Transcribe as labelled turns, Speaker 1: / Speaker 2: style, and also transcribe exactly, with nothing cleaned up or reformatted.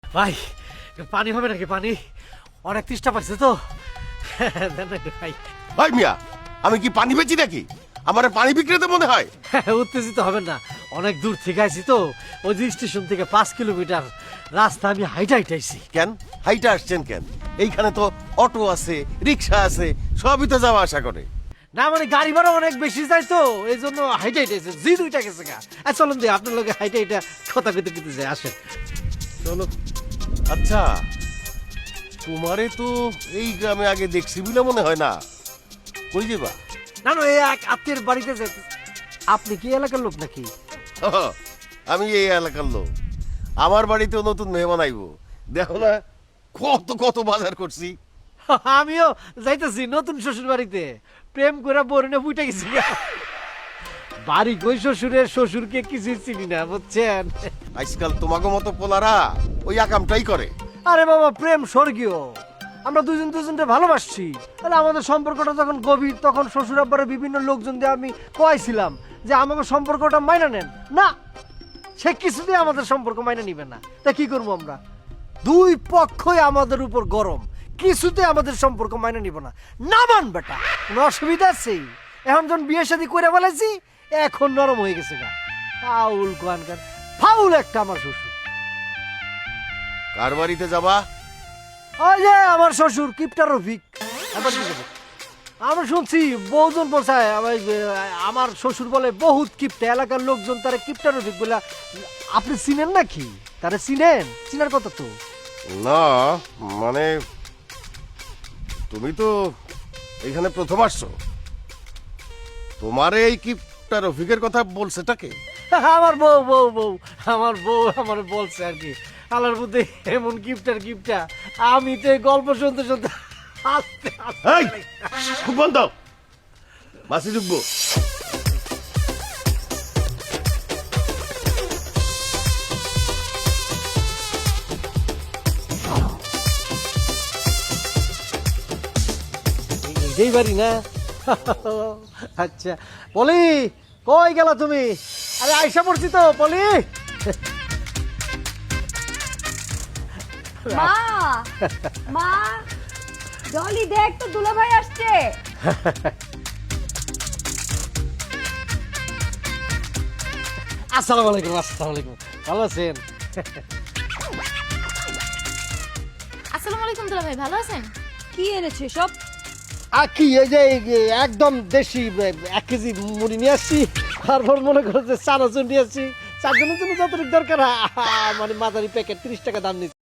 Speaker 1: ভাই পানি হবে নাকি? পানি অনেক তৃষ্ণা পাচ্ছে তো। দেন না একটু খাই।
Speaker 2: ভাই মিয়া, আমি কি পানি বেচি নাকি? আমার পানি বিক্রেতা মনে হয়?
Speaker 1: উত্তেজিত হবেন না, অনেক দূর থেকে আইছি তো। ওই যে স্টেশন থেকে পাঁচ কিলোমিটার রাস্তা আমি হাইটা হাইটাইছি।
Speaker 2: কেন হাইটা আসছেন কেন? এইখানে তো অটো আছে, রিক্সা আছে, সবই তো যাওয়া আসা করে।
Speaker 1: না মানে গাড়ি ভাড়া অনেক বেশি যায় তো, এই জন্য হাইটা হাইটাইছে। জি দুইটা গেছে গা। আর চলুন দিয়ে আপনার লোকে হাইটা হাইটা কথা কইতে কইতে যায়। আসেন
Speaker 2: চলো। আচ্ছা, তোমারে তো এই গ্রামে আগে দেখছি বলে মনে হয় না। কই যাবা?
Speaker 1: না না, এই এক আত্মীয়ের বাড়িতে যেতে। আপনি কি এলাকার লোক নাকি?
Speaker 2: আমি এই এলাকার লোক। আমার বাড়িতেও নতুন মেহমান আইবো। দেখো না কত কত বাজার করছি।
Speaker 1: আমিও যাইতেছি নতুন শ্বশুর বাড়িতে। প্রেম করে বরণে বুইটা গেছি গা। বাড়ি কই শ্বশুরের, শ্বশুরকে কিছু চিনি না বুঝছেন।
Speaker 2: আজকাল তোমাকে মতো পোলারা ওই আকামটাই করে।
Speaker 1: আরে বাবা, প্রেম স্বর্গীয়। আমরা দুজন দুজনকে ভালোবাসছি। তাহলে আমাদের সম্পর্কটা যখন গভীর, তখন শ্বশুর আব্বারের বিভিন্ন লোকজন দিয়ে আমি কয়েছিলাম যে আমাদের সম্পর্কটা মাইনা নেন না। সে কিছুতেই আমাদের সম্পর্ক মাইনা নিবে না। তা কি করবো আমরা? দুই পক্ষই আমাদের উপর গরম, কিছুতে আমাদের সম্পর্ক মাইনা নিব না। না মান বেটা, কোনো অসুবিধা আছে? এখন যখন বিয়ে শাদী করে ফেলেছি, এখন নরম হয়ে গেছে গা। ফাউল কোয়ানকার, ফাউল একটা আমার শ্বশুর।
Speaker 2: কার বাড়িতে যাবা?
Speaker 1: ওই যে আমার শ্বশুর কিপটা রফিক। এবার কি করবো? আমরা শুনছি বহুজন বলছায় আমার শ্বশুর বলে বহুত কিপটা, এলাকার লোকজন তারা কিপটা রফিক বলে। আপনি চিনেন নাকি? তারা চিনেন? চিনার কথা তো।
Speaker 2: না মানে তুমি তো এখানে প্রথম আসছো। তোমার এই কিপটা রফিকের কথা বলছেটাকে?
Speaker 1: আমার বউ বউ বউ আমার বউ আমার বলছে আর কি। আলার মধ্যে এমন গিফটার গিফটা, আমি তো এই গল্প শুনতে শুনতে হাসতে
Speaker 2: এই,
Speaker 1: হাসতে
Speaker 2: খুব বন্ধ মাসি ঢুকবো।
Speaker 1: এই বাড়ি না? আচ্ছা পলি, কই গেল তুমি? আরে আইসা পড়ছি তো পলি।
Speaker 3: মা মা জলি দেখ তো দুলাভাই আসছে।
Speaker 1: আসসালামু আলাইকুম। আসসালামু আলাইকুম, ভালো আছেন?
Speaker 4: আসসালামু আলাইকুম দুলাভাই, ভালো আছেন?
Speaker 3: কি এনেছে সব?
Speaker 1: আর কি এই যে এই যে একদম দেশি এক কেজি মুড়ি নিয়ে আসছি। তারপর মনে করো যে চানাচুর নিয়ে আসছি। চারজনের জন্য যতটুকু দরকার, আহ, মানে মাঝারি প্যাকেট ত্রিশ টাকা দাম নিচ্ছে।